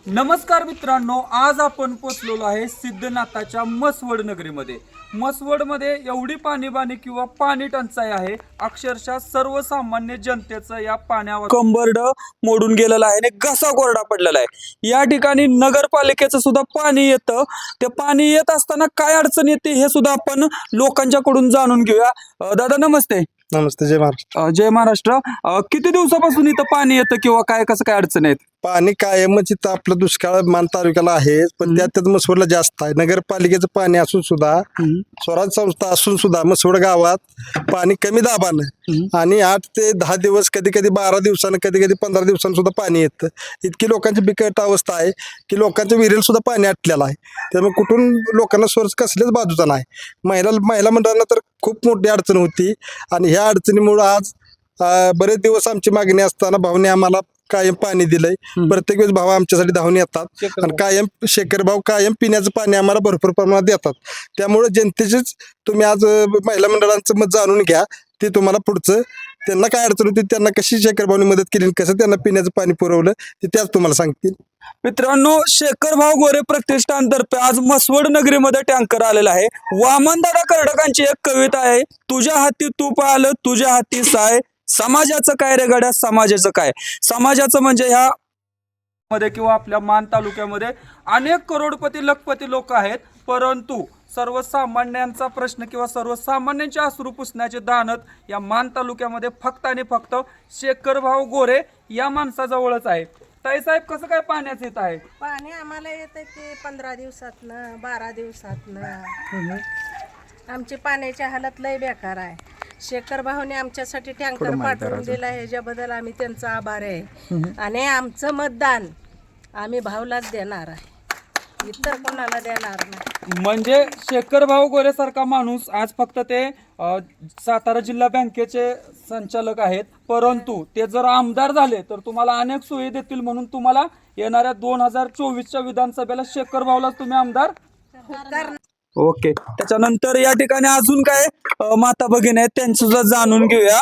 नमस्कार मित्रांनो, आज आपण पोचलेलो आहे सिद्धनाथाच्या मसवड नगरीमध्ये. मसवडमध्ये एवढी पाणीबाणी किंवा पाणी टंचाई आहे, अक्षरशः सर्वसामान्य जनतेचं या पाण्यावर कंबरड मोडून गेलेलं आहे आणि घसा कोरडा पडलेला आहे. या ठिकाणी नगरपालिकेचं सुद्धा पाणी येतं. ते पाणी येत असताना काय अडचण येते हे सुद्धा आपण लोकांच्याकडून जाणून घेऊया. दादा नमस्ते. नमस्ते. जय महाराष्ट्र. जय महाराष्ट्र. किती दिवसापासून इथं पाणी येतं किंवा काय कसं काय अडचण आहेत? पाणी कायमच इथं आपलं दुष्काळ मान तालुक्याला आहे, पण त्यात मसवडला जास्त आहे. नगरपालिकेचं पाणी असून सुद्धा, स्वराज संस्था असून सुद्धा मसवड गावात पाणी कमी दाबानं आणि 8 ते 10 दिवस, कधी कधी 12 दिवसानं, कधी कधी 15 दिवसांनी सुद्धा पाणी येतं. इतकी लोकांची बिकट अवस्था आहे की लोकांच्या विहिरीला सुद्धा पाणी आटलेलं आहे. त्यामुळे कुठून लोकांना सोर्स कसल्याच बाजूचा नाही. महिला मंडळांना तर खूप मोठी अडचण होती आणि ह्या अडचणीमुळं आज बरेच दिवस आमची मागणी असताना भाऊने आम्हाला कायम पाणी दिलंय. प्रत्येक वेळेस भाऊ आमच्यासाठी धावून येतात आणि कायम शेखर भाऊ कायम पिण्याचं पाणी आम्हाला भरपूर प्रमाणात देतात. त्यामुळे जनतेचीच तुम्ही आज महिला मंडळांचं मत जाणून घ्या. ते तुम्हाला पुढचं त्यांना काय अडचण होती, त्यांना कशी शेखर भाऊनी मदत केली, कसं त्यांना पिण्याचं पाणी पुरवलं ते त्याच तुम्हाला सांगतील. मित्रांनो, शेखर भाऊ गोरे प्रतिष्ठानतर्फे आज मसवड नगरीमध्ये टँकर आलेला आहे. वामनदादा कर्डकांची एक कविता आहे, तुझ्या हाती तूप आलं, तुझ्या हाती साय, समाजाचं काय रे गड्या, समाजाचं काय. समाजाचं म्हणजे ह्या मध्ये किंवा आपल्या मान तालुक्यामध्ये अनेक करोडपती लखपती लोक आहेत, परंतु सर्वसामान्यांचा प्रश्न किंवा सर्वसामान्यांचे अश्रू पुसण्याचे दानत या मान तालुक्यामध्ये फक्त आणि फक्त शेखरभाऊ गोरे या माणसाजवळच आहे. ताईसाहेब, कसं काय पाण्याचं येत आहे? पाणी आम्हाला येतं ते 15 दिवसातनं 12 दिवसातनं. आमची पाण्याची हालत लय बेकार आहे. शेखर भाऊने आमच्यासाठी टँकर पाठवून दिला, ह्याच्याबद्दल आम्ही त्यांचा आभार आहे. आणि आमचं मतदान आम्ही भाऊलाच देणार आहे, इतर कोणाला देणार नाही. म्हणजे शेखरभाऊ गोरे सारखा माणूस आज फक्त ते सातारा जिल्हा बँकेचे संचालक आहेत, परंतु ते जर आमदार झाले तर तुम्हाला अनेक सोयी देतील. म्हणून तुम्हाला येणाऱ्या 2024च्या विधानसभेला शेखरभाऊलाच तुम्ही आमदार. ओके. त्याच्यानंतर या ठिकाणी अजून काय माता भगिनी आहेत त्यांचं सुद्धा जाणून घेऊया.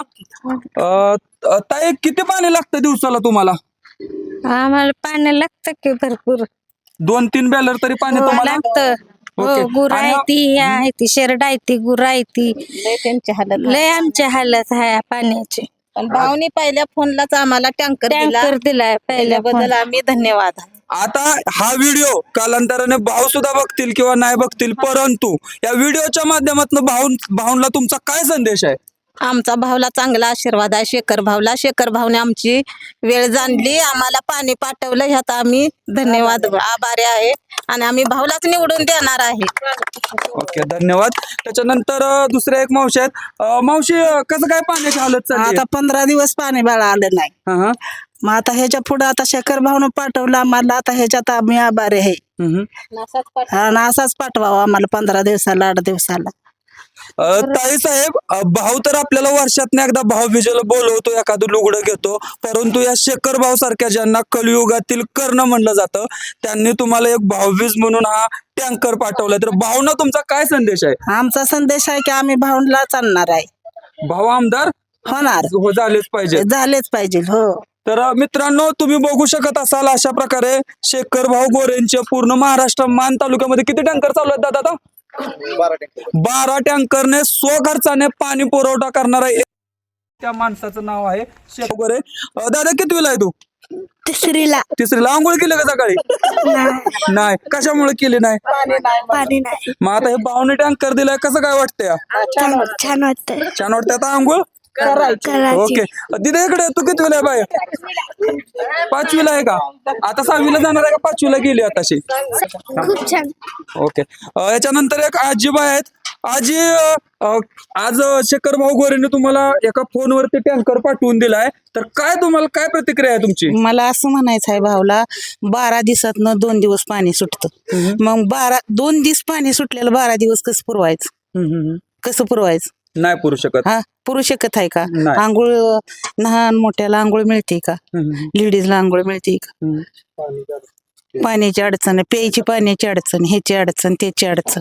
ताई, किती पाणी लागतं दिवसाला तुम्हाला? आम्हाला पाणी लागतं की भरपूर, 2-3 बॅलर तरी पाणी तुम्हाला लागतं. हो, गुर आहे ती, आहे ती शेरड आहे ती, गुर आहे ती, लय आमची हालत आहे पाण्याची. पण भाऊनी पहिल्या फोनलाच आम्हाला टँकर दिलाय पहिल्याबद्दल आम्ही धन्यवाद. आता हा व्हिडिओ कालांतराने भाऊ सुद्धा बघतील किंवा नाही बघतील, परंतु या व्हिडिओच्या माध्यमातून भाऊंना तुमचा काय संदेश आहे? आमचा भाऊला चांगला आशीर्वाद आहे. शेखर भाऊला, शेखर भाऊने आमची वेळ जाणली, आम्हाला पाणी पाठवलं, ह्यात आम्ही धन्यवाद आभारी आहे आणि आम्ही भाऊलाच निवडून देणार आहे. ओके, धन्यवाद. त्याच्यानंतर दुसऱ्या एक मावशी आहेत. मावशी, कसं काय पाण्याची हालत चालली आता 15 दिवस पाणी बाळा आलं नाही. आहे? मग आता ह्याच्या पुढे आता शेखर भाऊन पाठवलं आम्हाला, आता ह्याच्यात आम्ही आभारी आहे. हा ना, असाच पाठवावा आम्हाला 15 दिवसाला 8 दिवसाला. ताई साहेब, भाऊ तर आपल्याला वर्षातनं एकदा भाऊबीजेला बोलवतो, एखादं लुगडं घेतो, परंतु या शेखर भाऊ सारख्या ज्यांना कलियुगातील कर्ण म्हणलं जातं, त्यांनी तुम्हाला एक भाऊबीज म्हणून हा टँकर पाठवलाय. तर भाऊना तुमचा काय संदेश आहे? आमचा संदेश आहे की आम्ही भाऊनलाच आणणार आहे. भाऊ आमदार होणार, झालेच पाहिजे. झालेच पाहिजे. हो. तर मित्रांनो, तुम्ही बघू शकत असाल अशा प्रकारे शेखर भाऊ गोरेंचे पूर्ण महाराष्ट्र मान तालुक्यामध्ये किती टँकर चालू आहेत दादा? 12 टँकरने स्वखर्चाने पाणी पुरवठा करणारा त्या माणसाचं नाव आहे शेखर गोरे. दादा, कितवीला आहे तू? तिसरीला. तिसरीला. आंघोळ केली का सकाळी? नाही. कशामुळे केली नाही? पाणी नाही. मग आता हे भाऊने टँकर दिलाय, कसं काय वाटतंय? छान वाटतंय. छान वाटतंय. आता आंघोळ ओके. दिदे, इकडे तू कितवीला आहे बाय? 5वीला आहे का? आता 6वीला जाणार आहे का 5वीला गेली आताशी? खूप छान. ओके. याच्यानंतर एक आजीबाई आहेत. आजी, आज शेखर भाऊ गोरेने तुम्हाला एका फोनवरती टँकर पाठवून दिलाय, तर काय तुम्हाला काय प्रतिक्रिया आहे तुमची? मला असं म्हणायचं आहे भाऊला, 12 दिवसातनं 2 दिवस पाणी सुटतं. मग 2 दिवस पाणी सुटलेलं 12 दिवस कसं पुरवायचं? कसं पुरवायचं? नाही पुरू शकत. हा, पुरू शकत आहे का? नाही. आंघोळ लहान मोठ्याला आंघोळ मिळते का? लेडीजला आंघोळ मिळते का? पाण्याची अडचण, प्यायची पाण्याची अडचण, ह्याची अडचण, त्याची अडचण.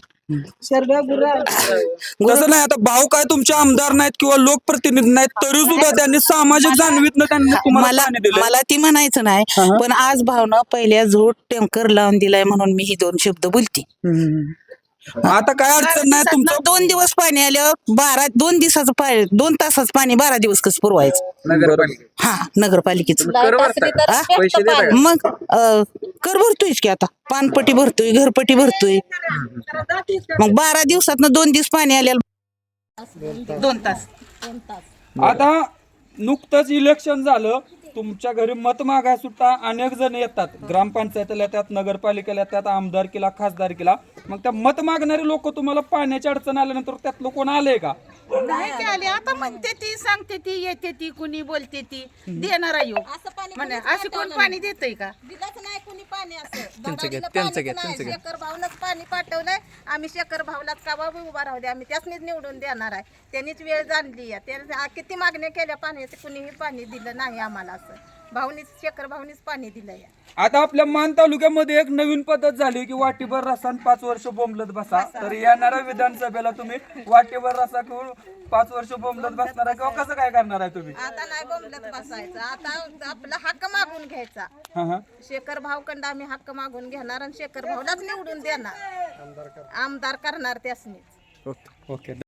तसं नाही, आता भाऊ काय तुमचे आमदार नाहीत किंवा लोकप्रतिनिधी नाहीत, तरी सुद्धा त्यांनी सामाजिक जाणवीतनं त्यांनी तुम्हाला मला पाणी दिलं. मला ती म्हणायचं नाही, पण आज भावना पहिल्या झोट टँकर लावून दिलाय म्हणून मी ही 2 शब्द बोलते. आता काय अडचण नाही तुमचं. 2 दिवस पाणी आल्यावर 2 दिवसाचं पाणी, 2 तासाचं पाणी 12 दिवस कसं पुरवायचं? हा, नगरपालिकेचं मग कर भरतोयच की, आता पानपट्टी भरतोय, घरपट्टी भरतोय. मग 12 दिवसात 2 दिवस पाणी आल्याला 2 तास. आता नुकतंच इलेक्शन झालं, तुमच्या घरी मत मागाय सुद्धा अनेक जण येतात, ग्रामपंचायतीला येतात, नगरपालिकेला येतात, आमदारकीला, खासदारकीला. मग त्या मत मागणारे लोक तुम्हाला पाण्याची अडचण आल्यानंतर त्यातलं कोण आलंय का? नाही की आले, आता म्हणते ती, सांगते ती, येते ती, कुणी बोलते ती, देणार आहे म्हणे. असे कोण पाणी देतय का? दिलंच नाही कुणी पाणी असं. शेखर भाऊनच पाणी पाठवलंय. आम्ही शेखर भाऊलाच का बाबा उभा राहू दे, आम्ही त्यासनीच निवडून देणार आहे. त्यांनीच वेळ जाणली आहे. त्याने किती मागण्या केल्या पाण्याचे, कुणीही पाणी दिलं नाही आम्हाला. असं भाऊनीच, शेखर भाऊनीच पाणी दिलंय. आता आपल्या मान तालुक्यामध्ये एक नवीन पद्धत झाली की वाटीभर रसा 5 वर्ष बोंबलत बसा. तर येणाऱ्या विधानसभेला तुम्ही वाटीभर रसा घेऊन 5 वर्ष बोंबलत बसणार आहे किंवा कसं काय करणार आहे तुम्ही? आता नाही बोंबलत बसायचं, आता आपला हक्क मागून घ्यायचा. शेखर भाऊकडं आम्ही हक्क मागून घेणार आणि शेखर भाऊलाच निवडून देणार, आमदार करणार त्यासनीच. ओके.